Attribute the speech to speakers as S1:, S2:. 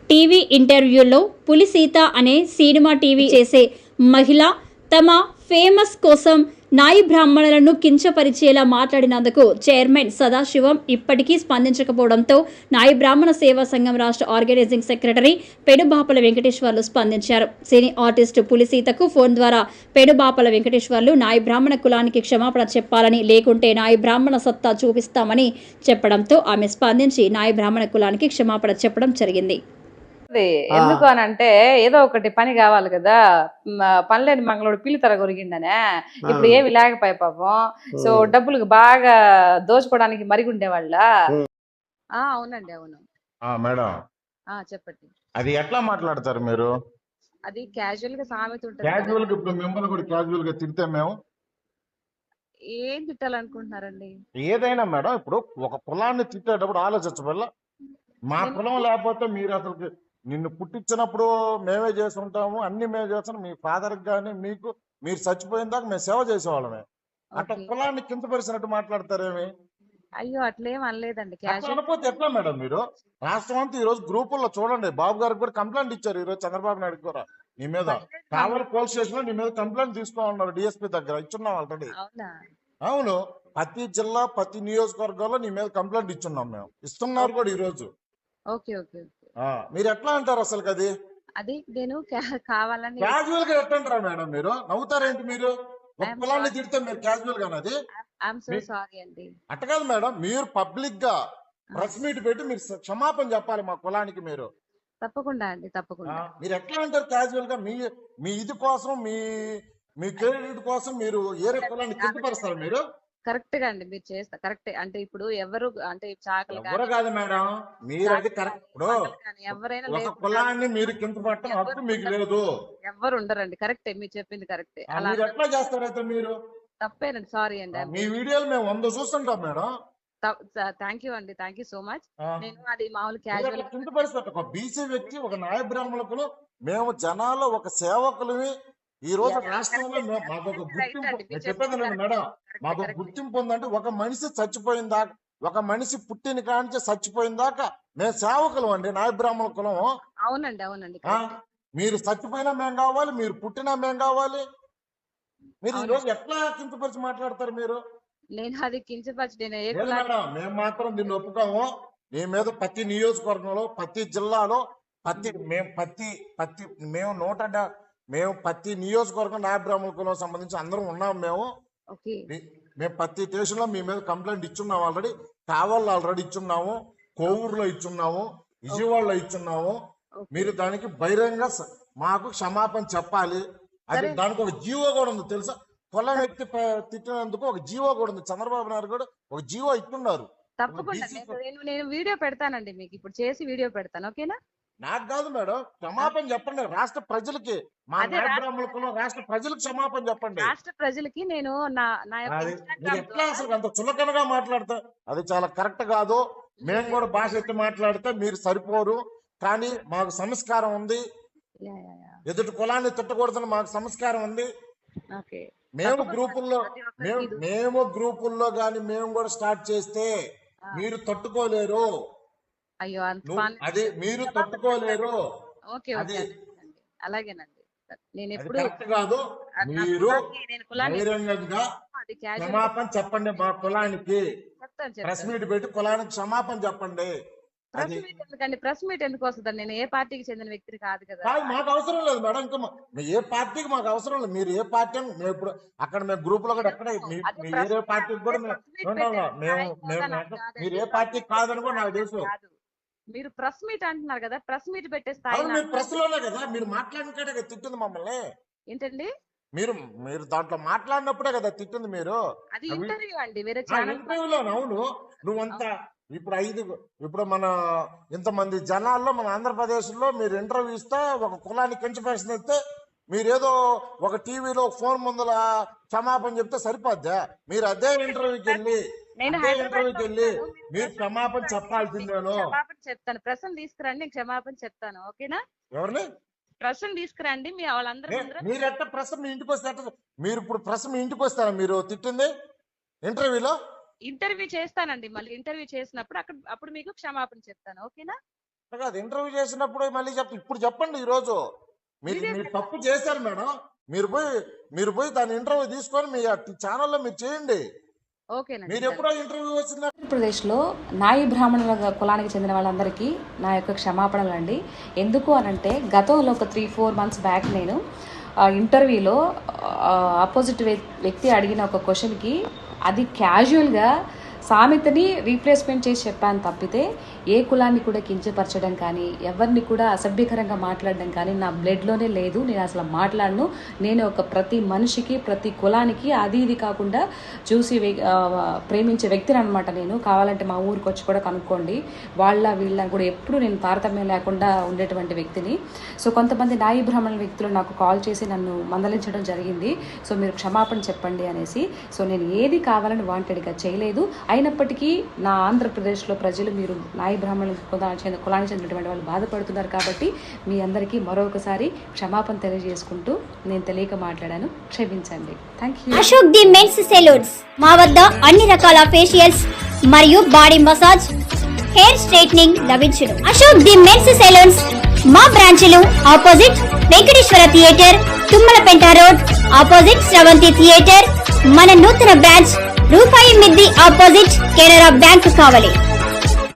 S1: TV ఇంటర్వ్యూలో పులి సీత అనే సినిమా టీవీ చేసే మహిళ తమ ఫేమస్ కోసం నాయి బ్రాహ్మణులను కించపరిచేలా మాట్లాడినందుకు చైర్మన్ సదాశివం ఇప్పటికీ స్పందించకపోవడంతో నాయి బ్రాహ్మణ సేవా సంఘం రాష్ట్ర ఆర్గనైజింగ్ సెక్రటరీ పెనుబాపల వెంకటేశ్వర్లు స్పందించారు. సినీ ఆర్టిస్టు పులి సీతకు ఫోన్ ద్వారా పెనుబాపల వెంకటేశ్వర్లు నాయి బ్రాహ్మణ కులానికి క్షమాపణ చెప్పాలని, లేకుంటే నాయి బ్రాహ్మణ సత్తా చూపిస్తామని చెప్పడంతో ఆమె స్పందించి నాయి బ్రాహ్మణ కులానికి క్షమాపణ చెప్పడం జరిగింది.
S2: ఎందుకు అని అంటే ఏదో ఒకటి పని కావాలి కదా. పనిలేని మంగళోడు పిల్లి తర కొరిగిండనే ఇప్పుడు ఏమి లేకపోయా పాపం. సో డబ్బులకు బాగా దోచుకోవడానికి మరిగుండేవాళ్ళ. అవునండి, అవును
S3: మేడం.
S2: చెప్పండి.
S3: అది ఎట్లా మాట్లాడతారు మీరు?
S2: అది క్యాజువల్ గా సామెత ఉంటుంది.
S3: క్యాజువల్ గా ఇప్పుడు మిమ్మల్ని కూడా క్యాజువల్ గా తిడితే మేము
S2: ఏం తిట్టాలనుకుంటున్నారండి?
S3: ఏదైనా మేడం, ఇప్పుడు ఒక కులాన్ని తిట్టేటప్పుడు ఆలోచించవల్ల మా కులం లేకపోతే మీరు అసలు నిన్ను పుట్టించినప్పుడు మేమే చేసి ఉంటాము, అన్ని మేమే చేస్తాం. మీ ఫాదర్ కానీ మీకు మీరు చచ్చిపోయిన దాకా మేము సేవ చేసేవాళ్ళమే. అట్లా కులాన్ని కిందపరిచినట్టు మాట్లాడతారేమి?
S2: అయ్యో అట్లేం అనలేదండి.
S3: అనుకోతే ఎట్లా మేడం? మీరు రాష్ట్రం అంతా ఈ రోజు గ్రూపుల్లో చూడండి, బాబు గారికి కూడా కంప్లైంట్ ఇచ్చారు. ఈ రోజు చంద్రబాబు నాయుడు కూడా నీ మీద కావలి పోలీస్ స్టేషన్ లో నీ మీద కంప్లైంట్ తీసుకోమన్నారు. డిఎస్పీ దగ్గర ఇచ్చున్నాం ఆల్రెడీ. అవును, ప్రతి జిల్లా ప్రతి నియోజకవర్గాల్లో నీ మీద కంప్లైంట్ ఇచ్చున్నాం మేము, ఇస్తున్నారు కూడా ఈ రోజు. మీరు ఎట్లా అంటారు అసలు? అది
S2: నేను కావాలని
S3: క్యాజువల్ గా ఎట్లంటారా మేడం? మీరు నవ్వుతారేంటి? మీరు ఒక కులాన్ని తిడితే మీరు క్యాజువల్ గా అది అట్ట కాదు మేడం. మీరు పబ్లిక్ గా ప్రెస్ మీట్ పెట్టి మీరు క్షమాపణ చెప్పాలి మా కులానికి. మీరు
S2: తప్పకుండా అండి, తప్పకుండా.
S3: మీరు ఎట్లా అంటారు క్యాజువల్ గా? మీ ఇది కోసం, మీ క్రెడిట్ కోసం మీరు ఏరే కులాన్ని కిందపరుస్తారు మీరు?
S2: కరెక్ట్ గా అండి, మీరు చేస్తా కరెక్ట్. అంటే ఇప్పుడు ఎవరు అంటే చాకలి
S3: ఎవరు కాదు మేడం, మీరు అది కరెక్ట్. ఇప్పుడు
S2: ఎవరైనా
S3: ఒక కులాన్ని మీరు కింద పట్టడం హక్కు మీకు లేదు.
S2: ఎవరు ఉండరండి. కరెక్టే, మీరు చెప్పింది కరెక్టే.
S3: అలా ఎట్లా చేస్తారైతే మీరు?
S2: తప్పేనండి, సారీ అండి.
S3: మీ వీడియోలు మేము 100 చూస్తుంటాం మేడం.
S2: థ్యాంక్ యూ అండి, థ్యాంక్ యూ సో మచ్. నేను అది మామూలు క్యాజువల్
S3: కింద పరిస్థితి. ఒక బీసీ వ్యక్తి, ఒక నాయ బ్రాహ్మణులకు మేము జనాల్లో ఒక సేవకులవి. ఈ రోజు రాష్ట్రంలో మాకు ఒక గుర్తింపు చెప్పేది మేడం. మాకు ఒక గుర్తింపు ఉందంటే ఒక మనిషి చచ్చిపోయిన దాకా, ఒక మనిషి పుట్టిన కానించి చచ్చిపోయిన దాకా మేము సేవకులం అండి, నాయ బ్రాహ్మణ కులం.
S2: అవునండి, అవునండి.
S3: మీరు చచ్చిపోయినా మేము కావాలి, మీరు పుట్టినా మేము కావాలి. మీరు ఈ రోజు ఎట్లా కించపరిచి మాట్లాడతారు మీరు?
S2: నేను అది కించపరిచి
S3: మేడం, మేము మాత్రం దీన్ని ఒప్పుకోము. నీ మీద ప్రతి నియోజకవర్గంలో, ప్రతి జిల్లాలో, మేము ప్రతి నియోజకవర్గం నాయ బ్రాహ్మణ కులం సంబంధించి అందరం ఉన్నాం. మేము ప్రతి స్టేషన్ లో మీ మీద కంప్లైంట్ ఇచ్చున్నాము ఆల్రెడీ. కావాళ్ళు ఆల్రెడీ ఇచ్చున్నాము, కోవూరులో ఇచ్చున్నాము, విజయవాడలో ఇచ్చున్నాము. మీరు దానికి బహిరంగ మాకు క్షమాపణ చెప్పాలి. అది దానికి ఒక జీవో కూడా ఉంది తెలుసా? కులం వ్యక్తి తిట్టినందుకు ఒక జీవో కూడా ఉంది. చంద్రబాబు నాయుడు కూడా ఒక జీవో ఇట్టున్నారు.
S2: తప్పకుండా నేను వీడియో పెడతానండి, మీకు ఇప్పుడు చేసి వీడియో పెడతాను. ఓకేనా?
S3: నాకు కాదు మేడం, క్షమాపణ చెప్పండి రాష్ట్ర ప్రజలకి. మా బ్రాహ్మణులకు రాష్ట్ర ప్రజలకు క్షమాపణ చెప్పండి.
S2: రాష్ట్ర ప్రజలకి నేను
S3: ఎట్లా అసలు అంత చులకనగా మాట్లాడతా? అది చాలా కరెక్ట్ కాదు. మేము కూడా భాష ఎత్తి మాట్లాడితే మీరు సరిపోరు. కానీ మాకు సంస్కారం ఉంది, ఎదుటి కులాన్ని తిట్టకూడదని మాకు సంస్కారం ఉంది. మేము గ్రూపుల్లో గాని మేము కూడా స్టార్ట్ చేస్తే మీరు తట్టుకోలేరు.
S2: అయ్యో,
S3: అది మీరు తట్టుకోలేరు.
S2: అలాగేనండి. నేను ఎప్పుడు
S3: కరెక్ట్ కాదు. మీరు బహిరంగంగా క్షమాపణ చెప్పండి మా కులానికి. ప్రెస్ మీట్ పెట్టి కులానికి క్షమాపణ చెప్పండి.
S2: ప్రెస్ మీట్ ఎందుకు వస్తుందండి? నేను ఏ పార్టీకి చెందిన వ్యక్తిని కాదు కదా.
S3: మాకు అవసరం లేదు మేడం. ఇంకా ఏ పార్టీకి మాకు అవసరం లేదు. మీరు ఏ పార్టీ అని మేము ఇప్పుడు అక్కడ మేము గ్రూప్ లో కూడా ఎక్కడ వేరే పార్టీకి కూడా మీరు ఏ పార్టీకి కాదని కూడా నాకు తెలుసు.
S2: మీరు ప్రెస్ మీట్ అంటున్నారు కదా, ప్రెస్ మీట్ పెట్టే స్థాయి
S3: మీరు ప్రెస్ లోనే కదా మీరు మాట్లాడినట్టే తిట్టింది మమ్మల్ని.
S2: ఏంటండి?
S3: మీరు దాంట్లో మాట్లాడినప్పుడే కదా తిట్టింది. మీరు
S2: అది ఇంటర్వ్యూ అండి, వేరే
S3: ఇంటర్వ్యూలో. అవును, నువ్వంతా ఇప్పుడు మన ఇంతమంది జనాల్లో మన ఆంధ్రప్రదేశ్ లో మీరు ఇంటర్వ్యూ ఇస్తే ఒక కులాన్ని కించపరిస్తే మీరేదో ఒక టీవీలో ఫోన్ ముందల క్షమాపణ చెప్తే సరిపోద్దా? మీరు అదే ఇంటర్వ్యూకి వెళ్ళి మీరు క్షమాపణ చెప్పాల్సిందేను.
S2: చెప్తాను, ప్రశ్న తీసుకురండి, నేను క్షమాపణ చెప్తాను. ఓకేనా?
S3: ఎవరిని
S2: ప్రశ్న తీసుకురండి, మీ వాళ్ళందరూ.
S3: మీరు ఎట్ట ప్రశ్న మీ ఇంటికి వస్తే మీరు ఇప్పుడు ప్రశ్న మీ ఇంటికి వస్తారా? మీరు తిట్టింది ఇంటర్వ్యూలో
S2: ఇంటర్వ్యూ చేస్తానండి. మళ్ళీ ఇంటర్వ్యూ చేసినప్పుడు అప్పుడు మీకు క్షమాపణ చెప్తాను. ఓకేనా?
S3: కాదు ఇంటర్వ్యూ చేసినప్పుడు మళ్ళీ ఇప్పుడు చెప్పండి. ఈ రోజు మీరు తప్పు చేశారు మేడం. మీరు పోయి దాని ఇంటర్వ్యూ తీసుకొని మీ ఛానల్లో మీరు చేయండి. మీరు ఎప్పుడో ఇంటర్వ్యూ వచ్చిందా?
S2: ఆంధ్రప్రదేశ్లో నాయి బ్రాహ్మణుల కులానికి చెందిన వాళ్ళందరికీ నా యొక్క క్షమాపణలు అండి. ఎందుకు అనంటే గతంలో ఒక 3-4 months బ్యాక్ నేను ఇంటర్వ్యూలో ఆపోజిట్ వ్యక్తి అడిగిన ఒక క్వశ్చన్కి అది క్యాజువల్గా సామెతని రీప్లేస్మెంట్ చేసి చెప్పాను తప్పితే ఏ కులాన్ని కూడా కించపరచడం కానీ ఎవరిని కూడా అసభ్యకరంగా మాట్లాడడం కానీ నా బ్లడ్లోనే లేదు. నేను అసలు మాట్లాడను. నేను ఒక ప్రతి మనిషికి ప్రతి కులానికి అది ఇది కాకుండా చూసి ప్రేమించే వ్యక్తిని అనమాట. నేను కావాలంటే మా ఊరికి వచ్చి కూడా కనుక్కోండి. వీళ్ళని కూడా ఎప్పుడు నేను తారతమ్యం లేకుండా ఉండేటువంటి వ్యక్తిని. సో కొంతమంది నాయి బ్రాహ్మణుల వ్యక్తులు నాకు కాల్ చేసి నన్ను మందలించడం జరిగింది. సో మీరు క్షమాపణ చెప్పండి అనేసి. సో నేను ఏది కావాలని వాంటెడ్గా చేయలేదు. అయినప్పటికీ నా ఆంధ్రప్రదేశ్లో ప్రజలు మీరు నాయి బ్రాహ్మణుల కులానికి చెందినటువంటి వాళ్ళు బాధపడుతున్నారు కాబట్టి మీ అందరికీ మరొకసారి క్షమాపణ తెలియజేసుకుంటూ నేను తెలియక మాట్లాడాను, క్షమించండి. Thank you.
S1: Ashok the men's salons మా వద్ద అన్ని రకాల ఫేషియల్స్ మరియు బాడీ మసాజ్, హెయిర్ స్ట్రైట్నింగ్ లభించును. అశోక్ ది మెన్స్ సెలూన్స్ మా బ్రాంచ్లు opposite Venkateswara theatre, Tummalapenta road, opposite Sravanthi theatre. మన నూతన బ్రాంచ్ రూపాయి మిద్ది ఆపోజిట్ కెనరా బ్యాంక్ కావాలి.